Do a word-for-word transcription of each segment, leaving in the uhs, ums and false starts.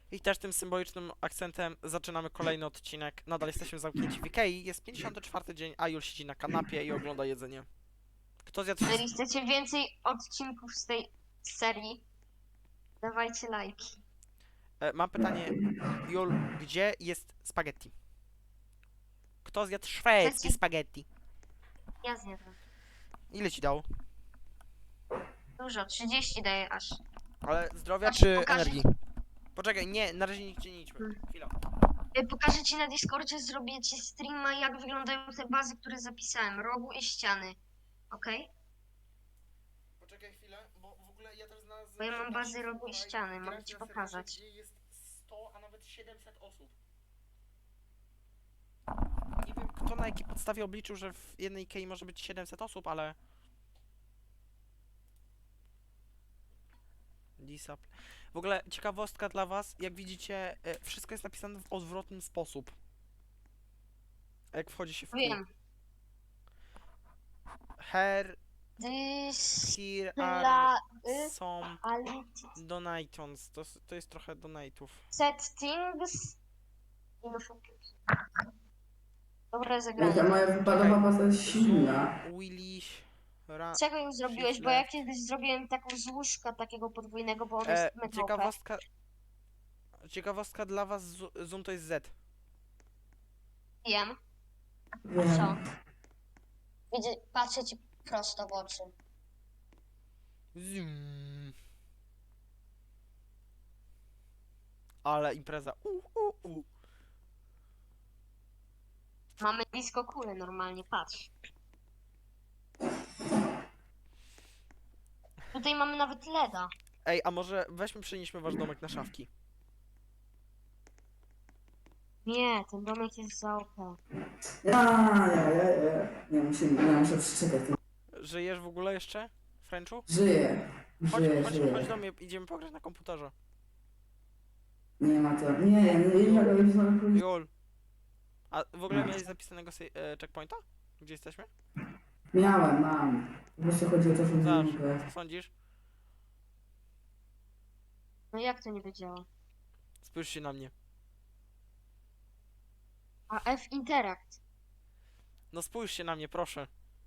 I też tym symbolicznym akcentem zaczynamy kolejny odcinek. Nadal jesteśmy zamknięci w Ikei. Jest pięćdziesiąty czwarty dzień, a Jul siedzi na kanapie i ogląda jedzenie. Kto zjadł Jeżeli wszystko? chcecie więcej odcinków z tej serii, dawajcie lajki. E, mam pytanie, Jul, gdzie jest spaghetti? Kto zjadł szwedzkie Chcecie? spaghetti? Ja zjadłem. Ile ci dało? Dużo, trzydzieści daję aż. Ale zdrowia Patrz, czy pokażę energii? Poczekaj, nie, na razie nigdzie nie idźmy. Hmm. Chwila. Y, Pokażę ci na Discordzie, zrobię ci streama, jak wyglądają te bazy, które zapisałem. Rogu i ściany. Okej? Poczekaj chwilę, bo w ogóle ja też znalazłem... Bo ja mam bazy Słuchaj, rogu i ściany, mogę grać ci na serwerze, pokazać. gdzie jest sto, a nawet siedemset osób. Nie wiem, kto na jakiej podstawie obliczył, że w jednej Ikei może być siedemset osób, ale... Disap. W ogóle ciekawostka dla was, jak widzicie, e, wszystko jest napisane w odwrotny sposób. Jak wchodzi się w kół. Wiem. Her, This... here Dla... are y, some Ali... donations. To, s- to jest trochę donate'ów. Settings... Infocus. Dobra, Jaka zagranie. moja wypadowa baza jest silna. Willy, ra... Czego ją zrobiłeś? Bo ja kiedyś zrobiłem taką z łóżka takiego podwójnego, bo on E, jest mega O P. ciekawostka... Ciekawostka dla was, zu- zoom to jest Z. Wiem. Wiem. Co? Widzę, patrzę ci prosto w oczy. Zoom. Ale impreza. U, u, u. Mamy blisko kule normalnie, patrz. Tutaj mamy nawet leda. Ej, a może weźmy, przenieśmy wasz domek na szafki. Nie, ten domek jest za O P. Ja, ja, ja, ja. Nie musimy, ja muszę przeczekać. Żyjesz w ogóle jeszcze, Frenchu? Żyję. Chodź, Żyję, chodź, żyję. chodź do mnie, idziemy pograć na komputerze. Nie ma to. Nie, nie, nie, nie, nie, nie, nie. Jol. A w ogóle miałeś zapisanego se- e, checkpointa? Gdzie jesteśmy? Miałem, mam. Po prostu chodzi o to, żeby Zaraz, nie mogę. co sądzisz? No jak to nie wiedziała? Spójrz się na mnie. A F Interact. No spójrz się na mnie, proszę.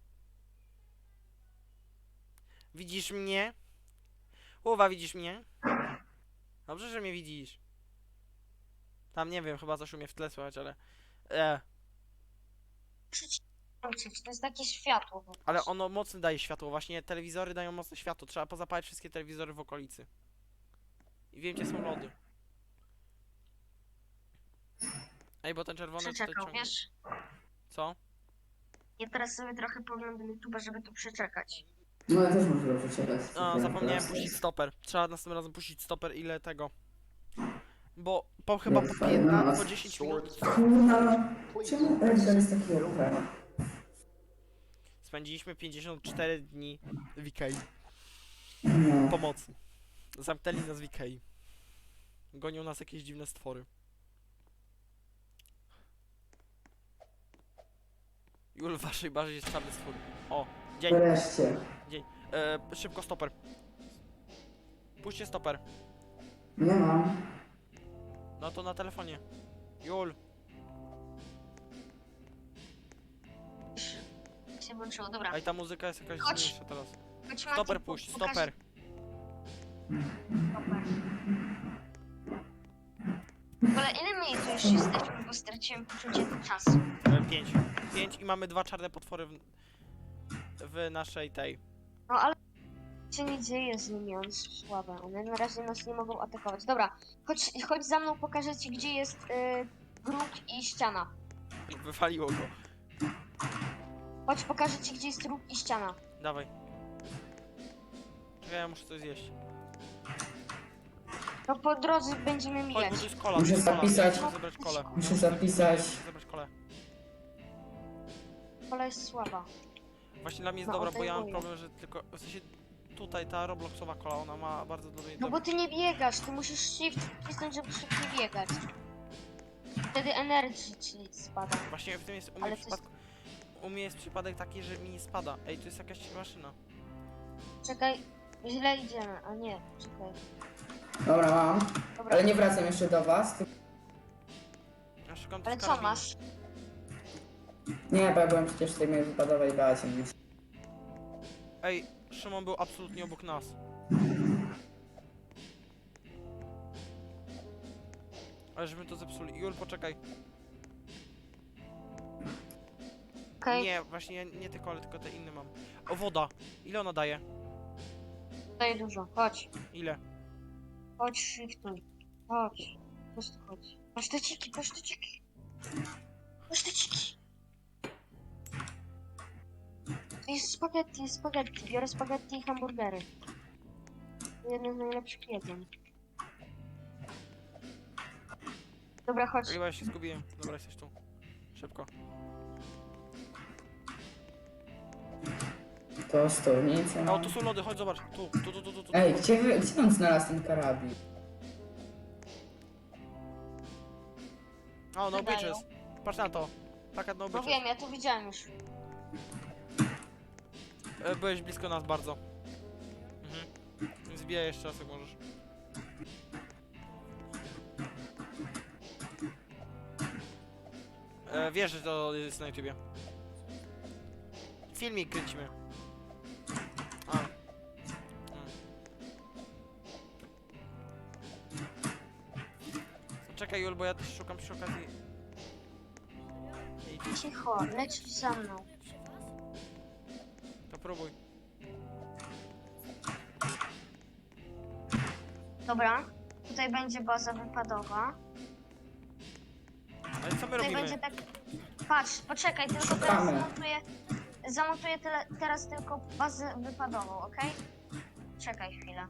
Widzisz mnie? Uwa, widzisz mnie? Dobrze, że mnie widzisz. Tam nie wiem, chyba coś umie w tle słychać, ale... E, To jest takie światło. po ale prostu. ono mocno daje światło, właśnie telewizory dają mocne światło. Trzeba pozapalać wszystkie telewizory w okolicy. I wiem, gdzie są lody. Ej, bo ten czerwony tutaj Przeczekał, ciągnie. wiesz? Co? Ja teraz sobie trochę poglądam YouTube'a, żeby tu przeczekać. No ja też muszę dobrze czekać. No, zapomniałem puścić stoper. Trzeba następnym razem puścić stoper, ile tego. Bo po chyba po piętnaście, po dziesięć minut Kurna, czemu Edgar jest taki O P? spędziliśmy pięćdziesiąt cztery dni w Ikei. No. Pomocy. Zamknęli nas w Ikei. Gonią nas jakieś dziwne stwory. Jul, w waszej bazie jest czarny stwór. O, dzień. Wreszcie. E, szybko stoper. Puśćcie stoper. Nie mam. No to na telefonie. Jul. Się włączyło, dobra. Ej, ta muzyka jest jakaś Chodź. dziwniejsza teraz. Chodź, Mati, Stoper po- puść, pokażę- stoper. Stoper. W ogóle ile my tu już jesteśmy, bo straciłem poczucie czasu. E, pięć. Pięć i mamy dwa czarne potwory w, w naszej tej. No ale się nie dzieje z nimi, one są słabe. One na razie nas nie mogą atakować. Dobra, chodź, chodź za mną, pokażę ci, gdzie jest y, grób i ściana. Wywaliło go. Chodź, pokażę ci, gdzie jest róg i ściana. Dawaj. Czekaj, ja muszę coś zjeść. No po drodze będziemy Chodź, bo mijać. tu jest kola. Muszę tu jest kola. zapisać. Muszę zebrać kolę. Muszę zapisać. Muszę zebrać kolę. Kola jest słaba. Właśnie dla mnie jest No, dobra, bo ja mam odejmuję. problem, że tylko... W sensie tutaj ta Robloxowa kola, ona ma bardzo dobry... No bo ty nie biegasz, ty musisz shift wcisnąć, żeby szybciej biegać. Wtedy energy ci spada. Właśnie w tym jest u mnie Ale w to jest- przypadku... U mnie jest przypadek taki, że mi nie spada. Ej, tu jest jakaś maszyna. Czekaj, źle idziemy, a nie, czekaj. Dobra, mam. Dobra, Ale nie wracam jeszcze do was. Ty... Ja szukam tu ale co karabinu. masz? Nie, bo ja byłem przecież w tej mojej wypadowej bazie, więc... Ej, Szymon był absolutnie obok nas. Ale żeśmy to zepsuli. Jul, poczekaj. Okej, Nie, właśnie nie te kole, tylko te inne mam. O, woda. Ile ona daje? daję dużo. Chodź. Ile? Chodź, shiftuj. Chodź. Po prostu chodź. Paszteciki, paszteciki. Paszteciki. To jest spaghetti, spaghetti. Biorę spaghetti i hamburgery. To jedno z najlepszych jedzeń. Dobra, chodź. Chyba ja się zgubiłem. Dobra, jesteś tu. Szybko. To stolnica. O, tu są lody, chodź zobacz. Tu, tu, tu, tu, tu, tu. Ej, gdzie, wy- gdzie on znalazł ten karabin? O, no Wydają. bitches. Patrz na to. Taka no No bitches. wiem, ja to widziałem już. E, Byłeś blisko nas bardzo. Mhm. Zbijaj jeszcze raz, jak możesz. E, wiesz, że to jest na YouTubie. Filmik kręcimy. A. Mm. Czekaj, Jul, bo ja też szukam przy okazji. Idź, Cicho, lecisz za mną. to próbuj. Dobra, tutaj będzie baza wypadowa. Ale co my Tutaj robimy? będzie tak... Patrz, poczekaj, tylko teraz Szukamy. zamontuję... Zamontuję tyle, teraz tylko bazę wypadową, okej? Czekaj chwilę.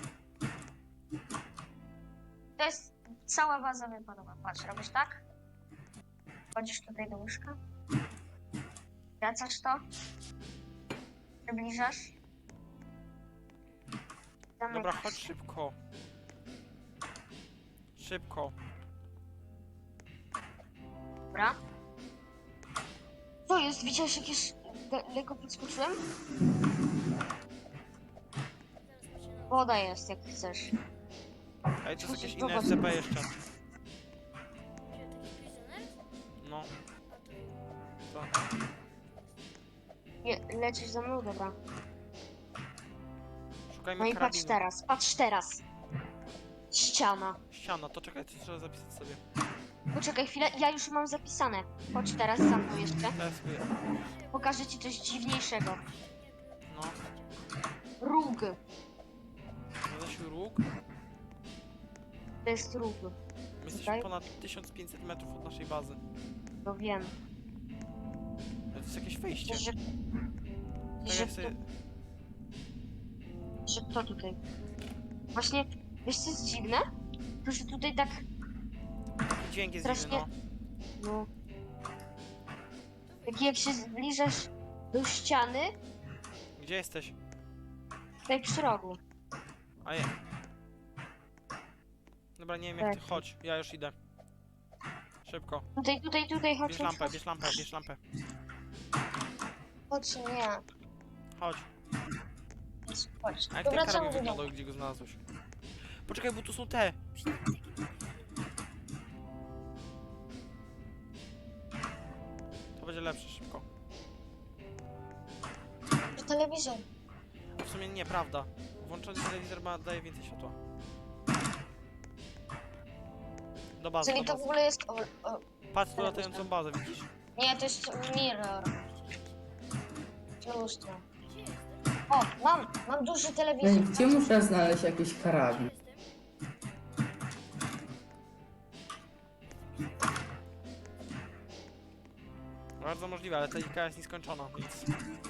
To jest cała baza wypadowa. Patrz, robisz tak? Wchodzisz tutaj do łóżka. Wracasz to. Przybliżasz. Dobra, Zamykasz. chodź szybko. Szybko. Dobra. Co jest? Widziałeś jakieś... le- Lekko podskoczyłem? Woda jest, jak chcesz. Ej, to jest jakieś Zobacz. inne S C P jeszcze. No. To. Je, lecisz za mną? Dobra. Szukajmy No i patrz karabinu. teraz, patrz teraz. Ściana. Ściana, to czekaj, to trzeba zapisać sobie. Poczekaj chwilę, ja już mam zapisane. Chodź teraz za mną jeszcze. Teraz sobie. Pokażę ci coś dziwniejszego. No. Róg. Zadasiu róg. To jest róg. My jesteśmy Tutaj? ponad tysiąc pięćset metrów od naszej bazy. No wiem. Ale to jest jakieś wejście. Że, Tak że, jak to, sobie... że to tutaj. Właśnie, wiesz co jest dziwne? To, że tutaj tak, Taki dźwięk jest dziwny, strasznie- no. no... Tak jak się zbliżasz do ściany, Gdzie jesteś? tutaj przy rogu. A je. Dobra, nie wiem jak ty. Tak. Chodź, ja już idę. Szybko. Tutaj, tutaj, tutaj, chodź, Bierz chodź, lampę, chodź. bierz lampę, bierz lampę. Chodź, nie. Chodź. Chodź. A jak To ten wracamy karabin do domu. wyglądał, gdzie go znalazłeś? Poczekaj, bo tu są te. To będzie lepsze, szybko. Do telewizor. A w sumie nie, prawda. Włączony telewizor ma, daje więcej światła. Do bazy, Czyli do to w bazy. ogóle jest... O, o, Patrz tu latającą bazę, widzisz? nie, to jest mirror. Lustro. O, mam, mam duży No i telewizor. gdzie muszę znaleźć jakiś karabin? Bardzo możliwe, ale ta lika jest nieskończona, więc...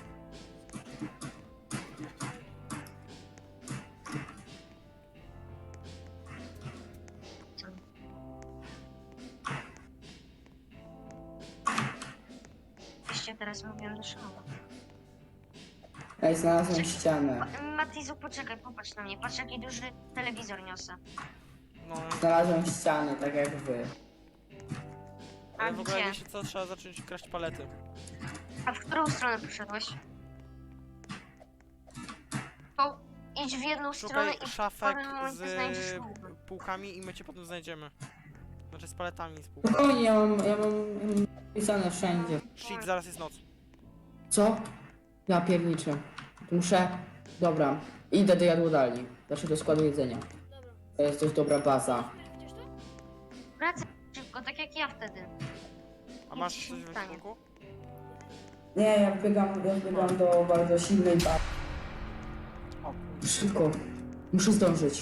Oczywiście teraz mówię do szkoły. Ej, znalazłem ścianę. Matizu, poczekaj, popatrz na mnie. Patrz, jaki duży telewizor niosę. No, Znalazłem ścianę, tak jak wy. ale A w ogóle gdzie? wiecie co, trzeba zacząć kraść palety. A w którą stronę poszedłeś? To idź w jedną stronę Szukaj i w szafek pewnym momencie znajdziesz z śrubę. półkami i my cię potem znajdziemy. Znaczy z paletami z półkami. Spokojnie, ja mam, ja mam, ja mam pisane wszędzie. Shit, zaraz jest noc. Co? Ja pierniczę. Muszę... Dobra, idę do jadłodalni. Znaczy do składu jedzenia. Dobra. To jest dość dobra baza. Chociaż to? Wracaj szybko, tak jak ja wtedy. A masz Nic coś się w nie stanie. ekwipunku? Nie, ja biegam, ja biegam do bardzo silnej bazy. O, Szybko. Muszę zdążyć.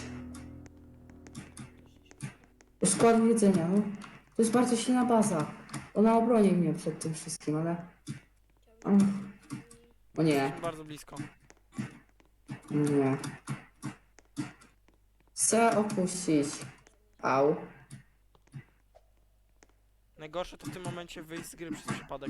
Do składu jedzenia, no. To jest bardzo silna baza. Ona obroni mnie przed tym wszystkim, ale... O, o nie, jesteśmy bardzo blisko. nie. Chcę opuścić. Au. Najgorsze to w tym momencie wyjść z gry przez przypadek.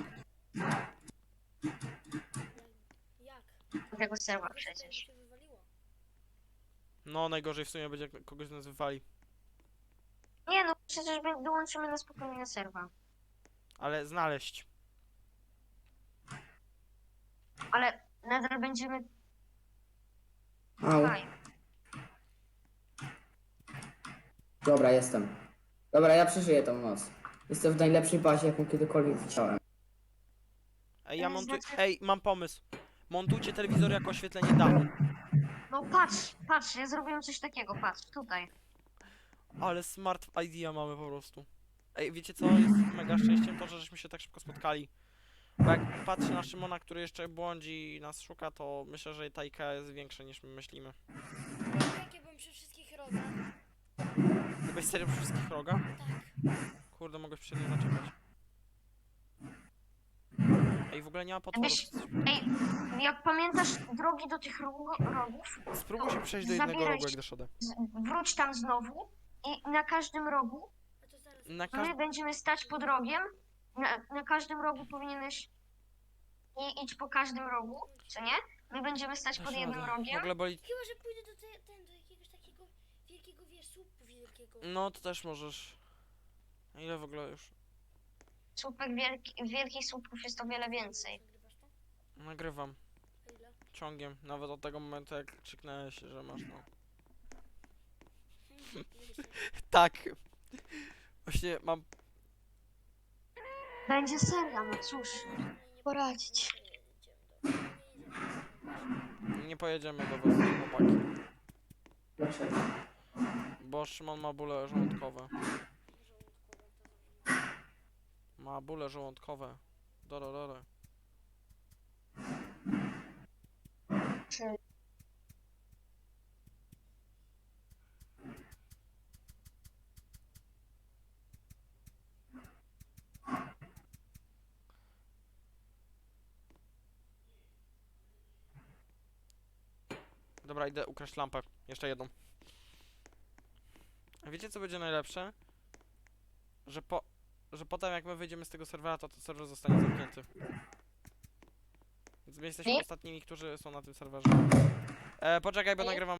Jak? Tego serwa Kogoś tam przecież. się wywaliło. No, najgorzej w sumie będzie, jak kogoś nas wywali. Nie no, przecież my dołączymy na spokojnie na serwa. Ale znaleźć. Ale nadal będziemy Au. tutaj. Dobra, jestem. Dobra, ja przeżyję tą noc. Jestem w najlepszej bazie, jaką kiedykolwiek widziałem. Ej, ja To montuję... znaczy- Ej, mam pomysł. Montujcie telewizor jako oświetlenie dachu. No patrz, patrz, ja zrobiłem coś takiego, patrz, tutaj. Ale smart idea mamy po prostu. Ej, wiecie co jest mega szczęściem? To, że żeśmy się tak szybko spotkali. Bo jak patrzę na Szymona, który jeszcze błądzi i nas szuka, to myślę, że ta Ikea jest większa niż my myślimy. Jak ja byłem przy wszystkich rodach. Ty byś serio przy wszystkich rogach? Tak. Kurde, mogłeś przy nie zaczekać. Ej, w ogóle nie ma potworów. Gdybyś- Ej, jak pamiętasz drogi do tych rogu- rogów, Spróbuj się przejść do jednego zabieraj rogu, jak się. doszedłem. z- wróć tam znowu i na każdym rogu, A to zaraz. Na my każdym... będziemy stać pod rogiem, na, na każdym rogu powinieneś i idź po każdym rogu, co nie? My będziemy stać pod jednym W rogiem. ogóle boli... Chyba, że pójdę do, te, ten, do jakiegoś takiego wielkiego, wiesz, słupu wielkiego. No, to też możesz. A ile w ogóle już? Słupek wielki, wielkich słupków jest o wiele więcej. Nagrywasz to? Nagrywam. A ile? Ciągiem. Nawet od tego momentu, jak krzyknęłeś, że masz no. Tak. Właśnie mam... Będzie seria, no cóż, poradzić. Nie pojedziemy do was, chłopaki. Dlaczego? Bo Szymon ma bóle żołądkowe. Ma bóle żołądkowe. Dororore. Czy Dobra, idę ukraść lampę. Jeszcze jedną. A wiecie co będzie najlepsze? Że po... Że potem jak my wyjdziemy z tego serwera, to ten serwer zostanie zamknięty. Więc my jesteśmy Nie? ostatnimi, którzy są na tym serwerze. E, poczekaj, bo Nie? nagrywam